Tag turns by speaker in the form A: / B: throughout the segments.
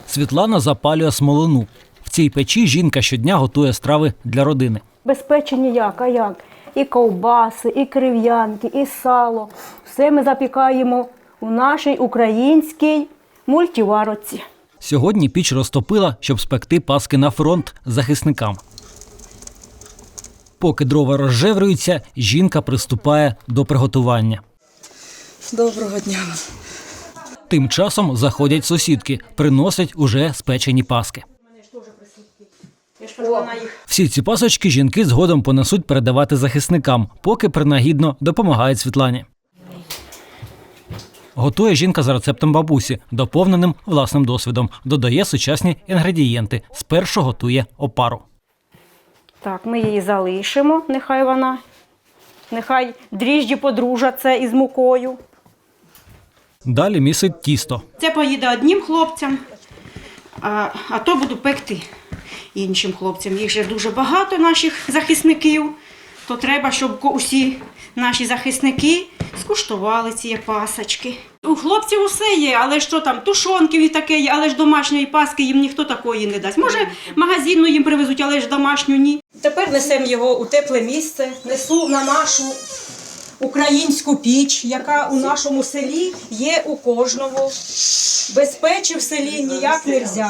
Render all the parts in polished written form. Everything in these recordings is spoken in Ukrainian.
A: Світлана запалює смолину. В цій печі жінка щодня готує страви для родини.
B: Без печі ніяк, а як? І ковбаси, і крив'янки, і сало. Все ми запікаємо у нашій українській мультиварці.
A: Сьогодні піч розтопила, щоб спекти паски на фронт захисникам. Поки дрова розжеврюються, жінка приступає до приготування.
C: Доброго дня.
A: Тим часом заходять сусідки, приносять уже спечені паски. Всі ці пасочки жінки згодом понесуть передавати захисникам, поки принагідно допомагають Світлані. Готує жінка за рецептом бабусі, доповненим власним досвідом. Додає сучасні інгредієнти. Спершу готує опару.
B: Так, ми її залишимо, нехай дріжджі подружаться із мукою.
A: Далі місить тісто.
B: Це поїде одним хлопцям, а то буду пекти іншим хлопцям. Їх же дуже багато, наших захисників, то треба, щоб усі наші захисники скуштували ці пасочки. У хлопців усе є, але що там, тушонки і таке є, але ж домашньої паски їм ніхто такої не дасть. Може, магазинну їм привезуть, але ж домашню ні. Тепер несемо його у тепле місце, несу на нашу українську піч, яка у нашому селі є у кожного. Без печі в селі ніяк не можна.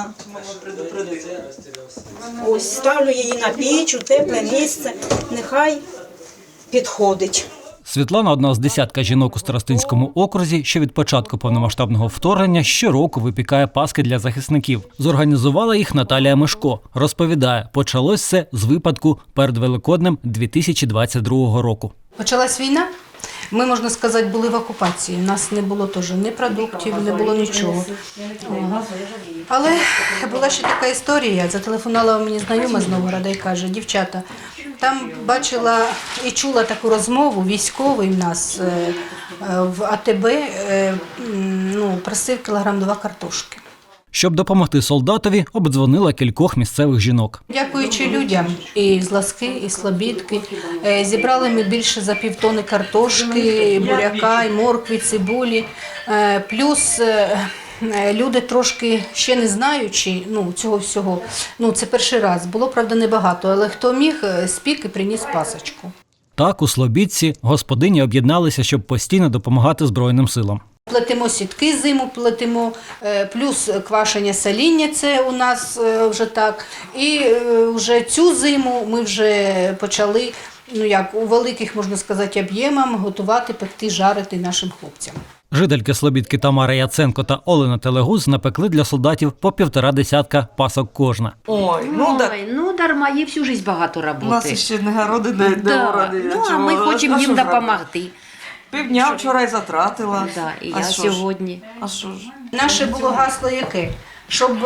B: Ось ставлю її на піч, у тепле місце, нехай підходить.
A: Світлана – одна з десятка жінок у Старостинському окрузі, що від початку повномасштабного вторгнення щороку випікає паски для захисників. Зорганізувала їх Наталія Мишко. Розповідає, почалось все з випадку перед Великоднем 2022 року.
D: Почалась війна, ми, можна сказати, були в окупації. У нас не було теж ні продуктів, не було нічого. Але була ще така історія. Зателефонувала мені знайома з Новгорода і каже: дівчата, там бачила і чула таку розмову, військовий в нас в АТБ просив 2 кілограми картошки.
A: Щоб допомогти солдатові, обдзвонила кількох місцевих жінок.
D: Дякуючи людям, і з Ласки, і з Слобідки, зібрали ми більше за 1,5 тонни картошки, буряка, і моркви, цибулі. Плюс люди трошки ще не знаючи цього всього, це перший раз, було, правда, небагато, але хто міг, спік і приніс пасочку.
A: Так, у Слобідці господині об'єдналися, щоб постійно допомагати Збройним силам.
D: Плетемо сітки зиму, плетемо, плюс квашення соління, це у нас вже так. І вже цю зиму ми вже почали, у великих, можна сказати, об'ємах готувати, пекти, жарити нашим хлопцям.
A: Жительки Слобідки Тамара Яценко та Олена Телегуз напекли для солдатів по 1,5 десятка пасок кожна.
E: Ой, дарма, є всю життя багато роботи.
C: У нас ще не городи, не городи.
E: А ми хочемо їм допомогти.
C: Півдня вчора і затратила.
E: І я сьогодні.
C: А що ж?
D: Наше було гасло яке? Щоб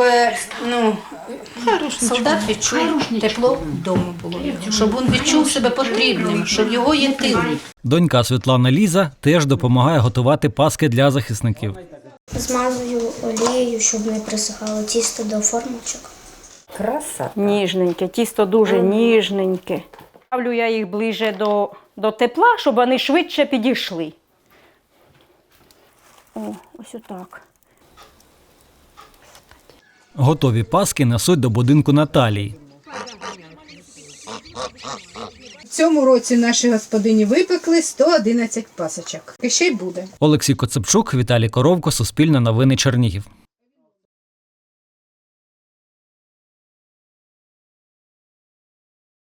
D: солдат відчув тепло вдома було, щоб він відчув себе потрібним, щоб його є тил.
A: Донька Світлана Ліза теж допомагає готувати паски для захисників.
F: Змазую олією, щоб не присихало тісто до формочок.
E: Краса.
B: Ніжненьке, тісто дуже ніжненьке. Ставлю я їх ближче до тепла, щоб вони швидше підійшли. Ось отак.
A: Готові паски несуть до будинку Наталії.
G: В цьому році наші господині випекли 111 пасочок. І ще й буде.
A: Олексій Коцепчук, Віталій Коровко, Суспільне новини, Чернігів.